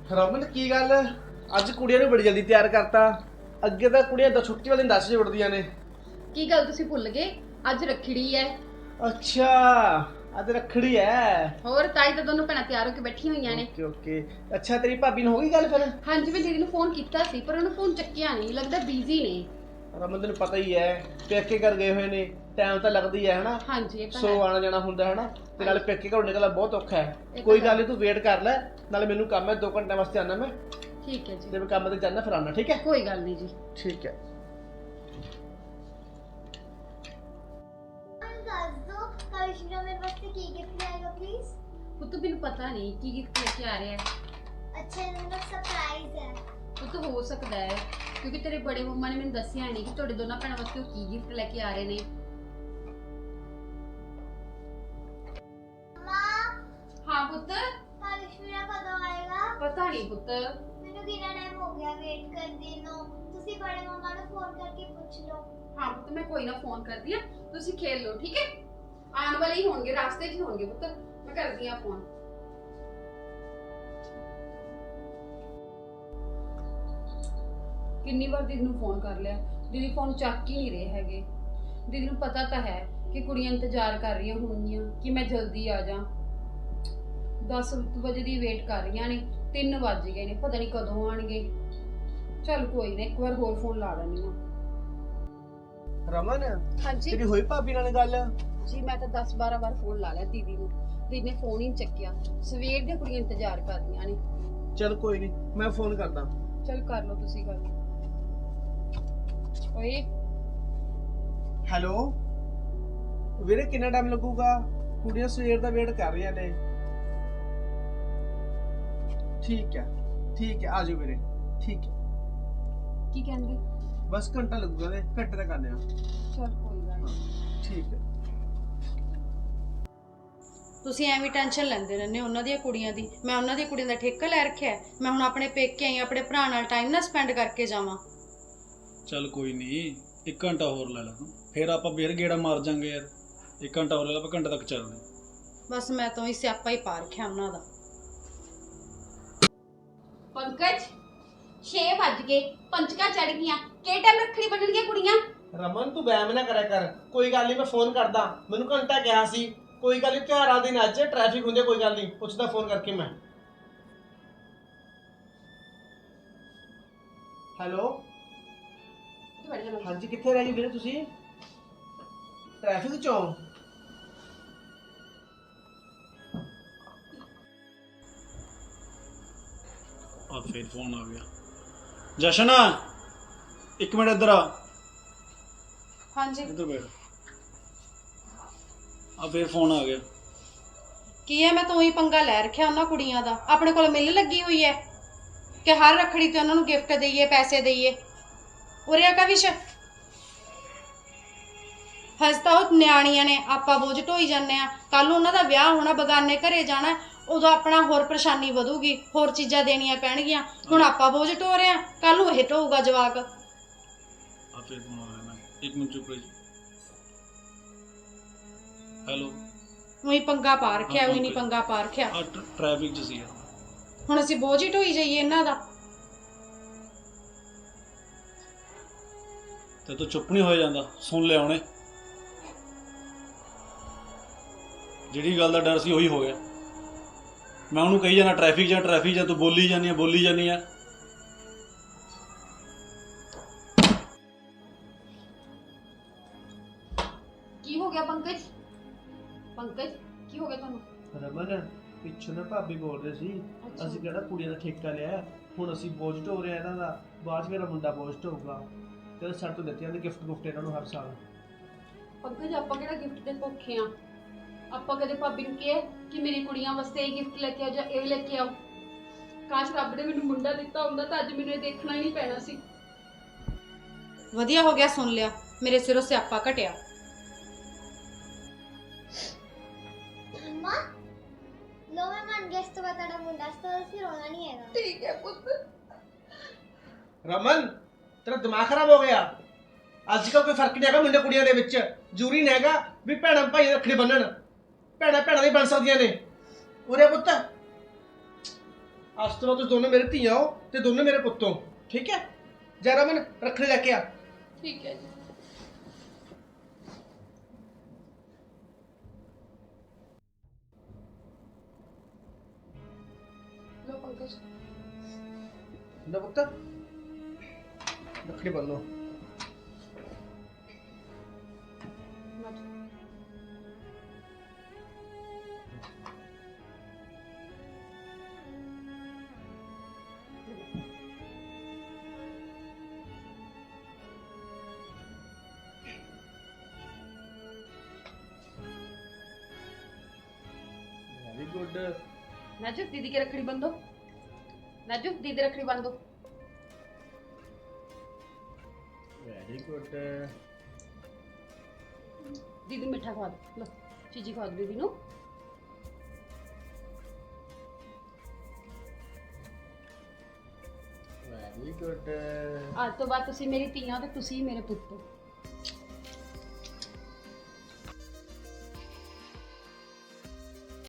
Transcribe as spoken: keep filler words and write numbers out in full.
ਰਮਨ ਕੀ ਗੱਲ ਅੱਜ ਕੁੜੀਆਂ ਨੂੰ ਬੜੀ ਜਲਦੀ ਤਿਆਰ ਕਰਤਾ। ਅੱਗੇ ਤਾਂ ਕੁੜੀਆਂ ਤਾਂ ਛੁੱਟੀ ਵਾਲੇ ਦਿਨ ਦਸ ਵਜੇ ਉੱਠਦੀਆਂ ਨੇ। ਕੀ ਗੱਲ ਤੁਸੀਂ ਭੁੱਲ ਗਏ? ਅੱਜ ਰੱਖੜੀ ਹੈ। ਅੱਛਾ ਅੱਜ ਰੱਖੜੀ ਹੈ। ਹੋਰ ਤਾਈ ਤਾਂ ਦੋਨੋਂ ਭੈਣਾਂ ਤਿਆਰ ਹੋ ਕੇ ਬੈਠੀਆਂ ਹੋਈਆਂ ਨੇ। ਓਕੇ ਓਕੇ ਅੱਛਾ ਤੇਰੀ ਭਾਬੀ ਨੂੰ ਹੋ ਗਈ ਗੱਲ ਫਿਰ? ਹਾਂਜੀ ਮੈਂ ਦੀਦੀ ਨੂੰ ਫੋਨ ਕੀਤਾ ਸੀ ਪਰ ਉਹਨੂੰ ਫੋਨ ਚੱਕਿਆ ਨਹੀਂ, ਲੱਗਦਾ ਬਿਜ਼ੀ ਨੇ। ਰਮਨ ਤੈਨੂੰ ਪਤਾ ਹੀ ਹੈ ਪੇਕੇ ਘਰ ਗਏ ਹੋਏ ਨੇ, ਟਾਈਮ ਤਾਂ ਲੱਗਦਾ ਹੀ ਹੈ ਹਨਾ। ਹਾਂਜੀ ਇਹ ਤਾਂ ਸੋ ਹੈ। ਆਣਾ ਜਾਣਾ ਹੁੰਦਾ ਹਨਾ, ਤੇ ਨਾਲੇ ਪੇਕੇ ਘਰੋਂ ਨਿਕਲਣਾ ਬਹੁਤ ਔਖਾ ਹੈ। ਇਹ ਕੋਈ ਤਾਂ ਗੱਲ ਨਹੀਂ ਤੂੰ ਵੇਟ ਕਰ ਲੈ, ਨਾਲੇ ਮੈਨੂੰ ਕੰਮ ਹੈ ਦੋ ਘੰਟੇ ਵਾਸਤੇ ਆਣਾ ਮੈਂ। ਠੀਕ ਹੈ ਜੀ। ਤੇ ਮੈਂ ਕੰਮ ਤੇ ਜਾਣਾ ਫਿਰ ਆਣਾ, ਠੀਕ ਹੈ? ਕੋਈ ਗੱਲ ਨਹੀਂ ਜੀ। ਠੀਕ ਹੈ। करिश्मा मेरे वास्ते की गिफ्ट लाएगा प्लीज? ਪੁੱਤ ਮੈਨੂੰ ਪਤਾ ਨਹੀਂ ਕੀ ਗਿਫਟ ਲੈ ਕੇ ਆ ਰਿਹਾ ਹੈ। अच्छा मतलब सरप्राइज है। ਪੁੱਤ ਹੋ ਸਕਦਾ ਹੈ ਕਿਉਂਕਿ ਤੇਰੇ ਬੜੇ ਮੰਮਾ ਨੇ ਮੈਨੂੰ ਦੱਸਿਆ ਨਹੀਂ ਕਿ ਤੁਹਾਡੇ ਦੋਨਾਂ ਭੈਣਾਂ ਵਾਸਤੇ ਉਹ ਕੀ ਗਿਫਟ ਲੈ ਕੇ ਆ ਰਹੇ ਨੇ। मां ਹਾਂ ਪੁੱਤ करिश्मा कदों आएगा? ਪਤਾ ਨਹੀਂ ਪੁੱਤ। ਮੈਨੂੰ ਕਿੰਨਾ ਟਾਈਮ ਹੋ ਗਿਆ ਵੇਟ ਕਰਦੇ ਨੂੰ। ਤੁਸੀਂ ਬੜੇ ਮੰਮਾ ਨੂੰ ਫੋਨ ਕਰਕੇ ਪੁੱਛ ਲਓ। ਹਾਂ ਪੁੱਤ ਮੈਂ ਕੋਈ ਨਾ ਫੋਨ ਕਰਦੀ ਆ, ਤੁਸੀਂ ਖੇਲ ਲਓ ਠੀਕ ਹੈ। ਆਉਣ ਵਾਲੇ ਹੀ ਹੋਣਗੇ, ਰਾਸਤੇ 'ਚ ਹੀ ਹੋਣਗੇ ਪੁੱਤ, ਮੈਂ ਕਰਦੀ ਆ ਫੋਨ। ਕਿੰਨੀ ਵਾਰ ਦੀਦੀ ਨੂੰ ਫੋਨ ਕਰ ਲਿਆ, ਦੀਦੀ ਫੋਨ ਚੱਕ ਹੀ ਨਹੀਂ ਰਹੇ ਹੈਗੇ। ਦੀਦੀ ਨੂੰ ਪਤਾ ਤਾਂ ਹੈ ਕਿ ਕੁੜੀਆਂ ਇੰਤਜ਼ਾਰ ਕਰ ਰਹੀਆਂ ਹੋਣਗੀਆਂ ਕਿ ਮੈਂ ਜਲਦੀ ਆ ਜਾ। ਦਸ ਵਜੇ ਦੀ ਵੇਟ ਕਰ ਰਹੀਆਂ ਨੇ, ਤਿੰਨ ਵੱਜ ਗਏ ਨੇ, ਪਤਾ ਨਹੀਂ ਕਦੋਂ ਆਣਗੇ। ਚੱਲ ਕੋਈ ਨਾ, ਇੱਕ ਵਾਰ ਹੋਰ ਫੋਨ ਲਾ ਲੈਣੀ ਆ। ਰਮਨ ਹਾਂਜੀ ਤੇਰੀ ਹੋਈ ਭਾਬੀ ਨਾਲ ਗੱਲ? ਜੀ ਮੈਂ ਤਾਂ ਦਸ ਬਾਰਾਂ ਵਾਰ ਫੋਨ ਲਾ ਲਿਆ ਦੀਦੀ ਨੂੰ, ਦੀਦੀ ਨੇ ਫੋਨ ਹੀ ਨਹੀਂ ਚੱਕਿਆ। ਸਵੇਰ ਦੀਆਂ ਕੁੜੀਆਂ ਇੰਤਜ਼ਾਰ ਕਰ ਰਹੀਆਂ ਨੇ। ਚਲ ਕੋਈ ਨਹੀਂ ਮੈਂ ਫੋਨ ਕਰਦਾ। ਚਲ ਕਰ ਲਓ ਤੁਸੀਂ ਗੱਲ। ਓਏ ਹੈਲੋ ਵੀਰੇ ਕਿੰਨਾ ਟਾਈਮ ਲੱਗੂਗਾ? ਕੁੜੀਆਂ ਸਵੇਰ ਦਾ ਵੇਟ ਕਰ ਰਹੀਆਂ ਨੇ। ਠੀਕ ਹੈ ਠੀਕ ਹੈ ਆਜੋ ਵੀਰੇ, ਠੀਕ ਹੈ। ਕੀ ਕਹਿੰਦੇ? ਬਸ ਘੰਟਾ ਲੱਗੂਗਾ ਤੇ ਘੰਟੇ ਤੱਕ ਆਨੇ ਆ। ਚਲ ਕੋਈ ਗੱਲ ਨਹੀਂ। ਠੀਕ ਹੈ। ਤੁਸੀਂ ਐਵੇਂ ਟੈਨਸ਼ਨ ਲੈਂਦੇ ਰਹਿੰਦੇ ਹੋ ਉਹਨਾਂ ਦੀਆਂ ਕੁੜੀਆਂ ਦੀ। ਮੈਂ ਉਹਨਾਂ ਦੀਆਂ ਕੁੜੀਆਂ ਦਾ ਠੇਕਾ ਲੈ ਰੱਖਿਆ ਹੈ। ਮੈਂ ਹੁਣ ਆਪਣੇ ਪੇਕੇ ਆਈ, ਆਪਣੇ ਭਰਾ ਨਾਲ ਟਾਈਮ ਨਾ ਸਪੈਂਡ ਕਰਕੇ ਜਾਵਾਂ। ਚੱਲ ਕੋਈ ਨਹੀਂ, ਇੱਕ ਘੰਟਾ ਹੋਰ ਲੈ ਲਾ ਤੂੰ, ਫਿਰ ਆਪਾਂ ਫੇਰ ਗੇੜਾ ਮਾਰ ਜਾਾਂਗੇ ਯਾਰ। ਇੱਕ ਘੰਟਾ ਹੋਰ ਲੈ ਲਾ, ਆਪਾਂ ਘੰਟੇ ਤੱਕ ਚੱਲਦੇ। ਬਸ ਮੈਂ ਤਾਂ ਹੀ ਸਿਆਪਾ ਹੀ ਪਾ ਰੱਖਿਆ ਉਹਨਾਂ ਦਾ। ਪੰਕਜ ਛੇ ਵੱਜ ਗਏ, ਪੰਚਕਾ ਚੜ ਗਈਆਂ, ਕਿਹੜੇ ਟਾਈਮ ਰੱਖੜੀ ਬੰਨਣਗੀਆਂ ਕੁੜੀਆਂ? ਰਮਨ ਤੂੰ ਵਹਿਮ ਨਾ ਕਰਿਆ ਕਰ, ਕੋਈ ਗੱਲ ਨਹੀਂ ਮੈਂ ਫੋਨ ਕਰਦਾ। ਮੈਨੂੰ ਘੰਟਾ ਕਿਹਾ ਸੀ, ਕੋਈ ਗੱਲ ਨਹੀਂ ਤਿਉਹਾਰਾਂ ਦੇ ਦਿਨ ਅੱਜ ਟ੍ਰੈਫਿਕ ਹੁੰਦੇ, ਕੋਈ ਗੱਲ ਨਹੀਂ ਪੁੱਛਦਾ ਫੋਨ ਕਰਕੇ ਮੈਂ। ਹੈਲੋ ਹਾਂਜੀ ਕਿੱਥੇ ਰਹਿ ਗਏ ਵੀਰੇ ਤੁਸੀਂ? ਟ੍ਰੈਫਿਕ ਚੋਂ? ਆ ਫੇਰ ਫੋਨ ਆ ਗਿਆ। ਜਸ਼ਨ ਇੱਕ ਮਿੰਟ ਇੱਧਰ ਆ। ਹਾਂਜੀ ਇੱਧਰ ਬੈਠ। ਆ ਫੇਰ ਫੋਨ ਆ ਗਿਆ। ਕੀ ਹੈ, ਮੈਂ ਤਾਂ ਉਹੀ ਪੰਗਾ ਲੈ ਰੱਖਿਆ ਉਹਨਾਂ ਕੁੜੀਆਂ ਦਾ। ਆਪਣੇ ਕੋਲ ਮਿਲ ਲੱਗੀ ਹੋਈ ਹੈ ਕਿ ਹਰ ਰੱਖੜੀ ਤੇ ਉਹਨਾਂ ਨੂੰ ਗਿਫਟ ਦੇਈਏ, ਪੈਸੇ ਦੇਈਏ। ਉਰਿਆ ਕਾ ਵਿਸ਼ ਹਜ ਤਾਂ ਉਹ ਨਿਆਣੀਆਂ ਨੇ, ਆਪਾਂ ਬੋਝ ਢੋਈ ਜਾਂਦੇ ਆ। ਕੱਲ ਨੂੰ ਉਹਨਾਂ ਦਾ ਵਿਆਹ ਹੋਣਾ, ਬਗਾਨੇ ਘਰੇ ਜਾਣਾ, ਉਦੋਂ ਆਪਣਾ ਹੋਰ ਪਰੇਸ਼ਾਨੀ ਵਧੂਗੀ, ਹੋਰ ਚੀਜ਼ਾਂ ਦੇਣੀਆਂ ਪੈਣਗੀਆਂ। ਹੁਣ ਆਪਾਂ ਬੋਝ ਢੋ ਰਹੇ ਆ, ਕੱਲ ਨੂੰ ਇਹ ਢੋਊਗਾ ਜਵਾਕ। ਆ ਫੇਰ ਫੋਨ ਆ ਗਿਆ। ਮੈਂ ਇੱਕ ਮਿੰਟ ਚੁੱਪ ਰਹੀ। ਹੈਲੋ ਉਹੀ ਪੰਗਾ ਪਾ ਰੱਖਿਆ, ਉਹੀ ਨਹੀਂ ਪੰਗਾ ਪਾ ਰੱਖਿਆ। ਆ ਟ੍ਰੈਫਿਕ 'ਚ ਸੀ ਯਾਰ। ਹੁਣ ਅਸੀਂ ਬੋਝ ਹੀ ਢੋਈ ਜਾਈਏ ਇਹਨਾਂ ਦਾ। ਤੇ ਤੂੰ ਚੁੱਪ ਨਹੀਂ ਹੋਇਆ ਜਾਂਦਾ, ਸੁਣ ਲਿਆ ਉਹਨੇ। ਜਿਹੜੀ ਗੱਲ ਦਾ ਡਰ ਸੀ ਉਹੀ ਹੋ ਗਿਆ। ਮੈਂ ਉਹਨੂੰ ਕਹੀ ਜਾਣਾ ਟ੍ਰੈਫਿਕ ਜਾਂ ਟ੍ਰੈਫਿਕ ਜਾਂ, ਤੂੰ ਬੋਲੀ ਜਾਂਦੀ ਆ ਬੋਲੀ ਜਾਂਦੀ ਆ। ਕੀ ਹੋ ਗਿਆ ਪੰਕਜ? ਪੰਕਜ ਕੀ ਹੋ ਗਿਆ ਤੁਹਾਨੂੰ? ਰਮਨ ਪਿੱਛੋਂ ਨਾ ਭਾਬੀ ਬੋਲ ਰਹੇ ਸੀ, ਅਸੀਂ ਕਿਹੜਾ ਕੁੜੀਆਂ ਦਾ ਠੇਕਾ ਲਿਆ, ਹੁਣ ਅਸੀਂ ਬੋਝ ਢੋ ਰਹੇ ਆ ਇਹਨਾਂ ਦਾ, ਬਾਅਦ 'ਚ ਮੇਰਾ ਮੁੰਡਾ ਬੋਝ ਢੋਊਗਾ। ਤੇ ਸਾਡੇ ਤੋਂ ਦਿੱਤੀਆਂ ਨੇ ਗਿਫਟ ਗੁਫਟ ਇਹਨਾਂ ਨੂੰ ਹਰ ਸਾਲ। ਪੰਕਜ ਆਪਾਂ ਕਿਹੜਾ ਗਿਫਟ ਦੇ ਭੁੱਖੇ ਆ? ਆਪਾਂ ਕਦੇ ਭਾਬੀ ਨੂੰ ਕਿਹਾ ਕਿ ਮੇਰੀ ਕੁੜੀਆਂ ਵਾਸਤੇ ਇਹ ਗਿਫਟ ਲੈ ਕੇ ਆਓ ਜਾਂ ਇਹ ਲੈ ਕੇ ਆਓ? ਕਾਸ਼ ਰੱਬ ਨੇ ਮੈਨੂੰ ਮੁੰਡਾ ਦਿੱਤਾ ਹੁੰਦਾ ਤਾਂ ਅੱਜ ਮੈਨੂੰ ਇਹ ਦੇਖਣਾ ਹੀ ਨਹੀਂ ਪੈਣਾ ਸੀ। ਵਧੀਆ ਹੋ ਗਿਆ ਸੁਣ ਲਿਆ, ਮੇਰੇ ਸਿਰੋਂ ਸਿਆਪਾ ਘਟਿਆ। अम्मा लो मैं मान गया, इस तो बता मुंडा तो फिर रोना नहीं है। ਠੀਕ ਹੈ ਪੁੱਤ। ਰਮਨ ਤੇਰਾ ਦਿਮਾਗ ਖਰਾਬ ਹੋ ਗਿਆ। ਅੱਜ ਕੱਲ ਕੋਈ ਫਰਕ ਨਹੀਂ ਹੈਗਾ ਮੁੰਡੇ ਕੁੜੀਆਂ ਦੇ ਵਿੱਚ। ਜ਼ਰੂਰੀ ਨਹੀਂ ਹੈਗਾ ਵੀ ਭੈਣਾਂ ਭਾਈ ਰੱਖੜੀ ਬੰਨਣ, ਭੈਣਾਂ ਭੈਣਾਂ ਦੀ ਬਣ ਸਕਦੀਆਂ ਨੇ। ਉਰੇ ਪੁੱਤ ਅੱਜ ਤੋਂ ਬਾਅਦ ਤੁਸੀਂ ਦੋਨੋਂ ਮੇਰੇ ਧੀਆਂ ਹੋ ਤੇ ਦੋਨੋਂ ਮੇਰੇ ਪੁੱਤ ਹੋ, ਠੀਕ ਹੈ? ਜਾ ਰਮਨ ਰੱਖੜੀ ਲੈ ਕੇ ਆ। ਠੀਕ ਹੈ ਜੀ। ਲੋ ਪੰਕਜ। ਨਾ ਪੁੱਤ ਰੱਖੜੀ ਬੰਨੋ। Very good. नाजू दीदी की रखड़ी बंदो। नाजू दीदी रखड़ी बंदो। Very good. दीदी मिठा खवा दो। लो चीजी खवा दो दीदी नु। Very good. आज तो बाद तुसी मेरी ਧੀਆਂ ਤੇ ਤੁਸੀਂ ਮੇਰੇ ਪੁੱਤ।